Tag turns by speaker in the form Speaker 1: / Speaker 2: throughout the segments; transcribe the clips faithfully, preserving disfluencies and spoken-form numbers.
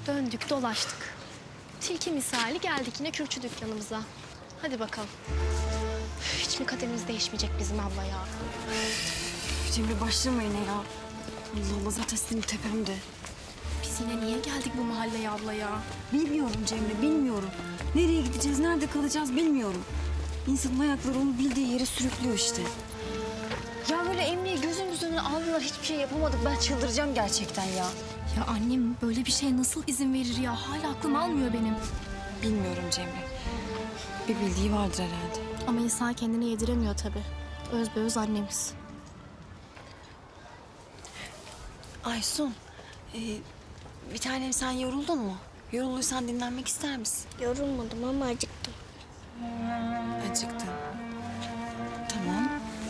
Speaker 1: Döndük dolaştık. Tilki misali geldik yine kürkçü dükkanımıza. Hadi bakalım. Hiç mi kaderimiz değişmeyecek bizim abla ya?
Speaker 2: Cemre başlama yine ya. Allah Allah zaten senin tepemde.
Speaker 1: Biz yine niye geldik bu mahalleye abla ya?
Speaker 2: Bilmiyorum Cemre, bilmiyorum. Nereye gideceğiz, nerede kalacağız bilmiyorum. İnsanın ayakları onu bildiği yere sürüklüyor işte. Ya böyle Emre'yi gözümüzün önüne aldılar, hiçbir şey yapamadık. Ben çıldıracağım gerçekten ya.
Speaker 1: Ya annem böyle bir şeye nasıl izin verir ya? Hala aklım almıyor benim.
Speaker 2: Bilmiyorum Cemre. Bir bildiği vardır herhalde.
Speaker 1: Ama insan kendini yediremiyor tabii. Özbeöz annemiz.
Speaker 2: Aysun, e, bir tanem sen yoruldun mu? Yorulduysan dinlenmek ister misin?
Speaker 3: Yorulmadım ama acıktım.
Speaker 2: Acıktın. Tamam.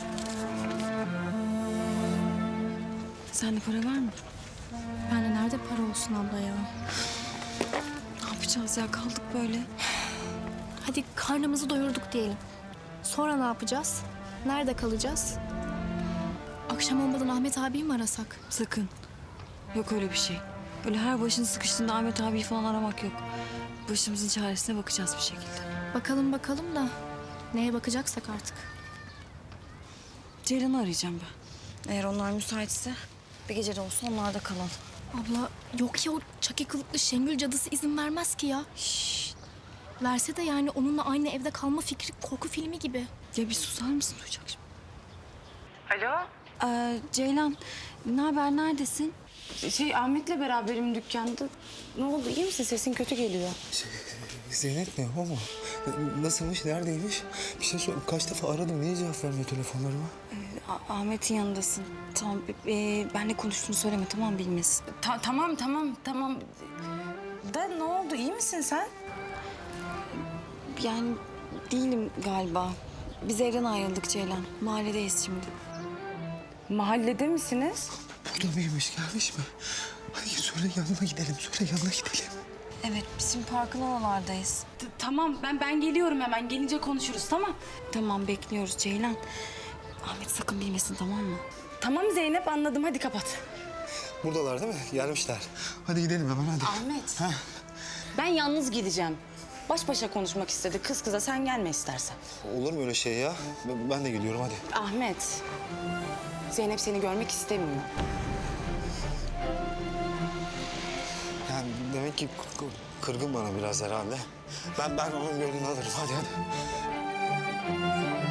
Speaker 2: Sende para var mı?
Speaker 1: Yani nerede para olsun abla ya?
Speaker 2: Ne yapacağız ya? Kaldık böyle.
Speaker 1: Hadi karnımızı doyurduk diyelim. Sonra ne yapacağız? Nerede kalacağız? Akşam olmadan Ahmet abiyi mi arasak?
Speaker 2: Sakın. Yok öyle bir şey. Böyle her başın sıkıştığında Ahmet abiyi falan aramak yok. Başımızın çaresine bakacağız bir şekilde.
Speaker 1: Bakalım bakalım da neye bakacaksak artık.
Speaker 2: Ceylan'ı arayacağım ben. Eğer onlar müsaitse bir gece de olsa onlarda kalalım.
Speaker 1: Abla yok ya o çaki kılıklı Şengül cadısı izin vermez ki ya.
Speaker 2: Şşş.
Speaker 1: Verse de yani onunla aynı evde kalma fikri korku filmi gibi.
Speaker 2: Ya bir susar mısın? Duyacak şimdi.
Speaker 4: Alo,
Speaker 2: Ee, Ceylan, ne haber? Neredesin?
Speaker 4: şey Ahmet'le beraberim dükkanda. Ne oldu, iyi misin? Sesin kötü geliyor.
Speaker 5: Şey, Zeynep mi? O mu? Nasılmış? Neredeymiş? Bir şey sor. Kaç defa aradım. Niye cevap vermiyor telefonlarıma?
Speaker 2: Ah- Ahmet'in yanındasın. Tamam, e, benle konuştuğunu söyleme, tamam bilmesin.
Speaker 4: Ta- tamam, tamam, tamam. Da ne oldu, iyi misin sen?
Speaker 2: Yani değilim galiba. Biz evden ayrıldık Ceylan. Mahalledeyiz şimdi.
Speaker 4: Mahallede misiniz?
Speaker 5: Burada mıymış? Gelmiş mi? Hadi söyle yanına gidelim. Söyle yanına gidelim.
Speaker 2: Evet, biz şimdi parkın oralardayız.
Speaker 4: T- tamam, ben ben geliyorum hemen. Gelince konuşuruz, tamam?
Speaker 2: Tamam, bekliyoruz Ceylan. Ahmet sakın bilmesin, tamam mı?
Speaker 4: Tamam Zeynep, anladım. Hadi kapat.
Speaker 5: Buradalar değil mi? Gelmişler. Hadi gidelim hemen hadi.
Speaker 4: Ahmet.
Speaker 5: Ha?
Speaker 4: Ben yalnız gideceğim. Baş başa konuşmak istedi kız kıza. Sen gelme istersen.
Speaker 5: Olur mu öyle şey ya? Ben, ben de geliyorum hadi.
Speaker 4: Ahmet. Zeynep seni görmek istemiyor.
Speaker 5: Yani demek ki k- kırgın bana biraz herhalde. Ben ben onun gönlünü alırım. Hadi hadi.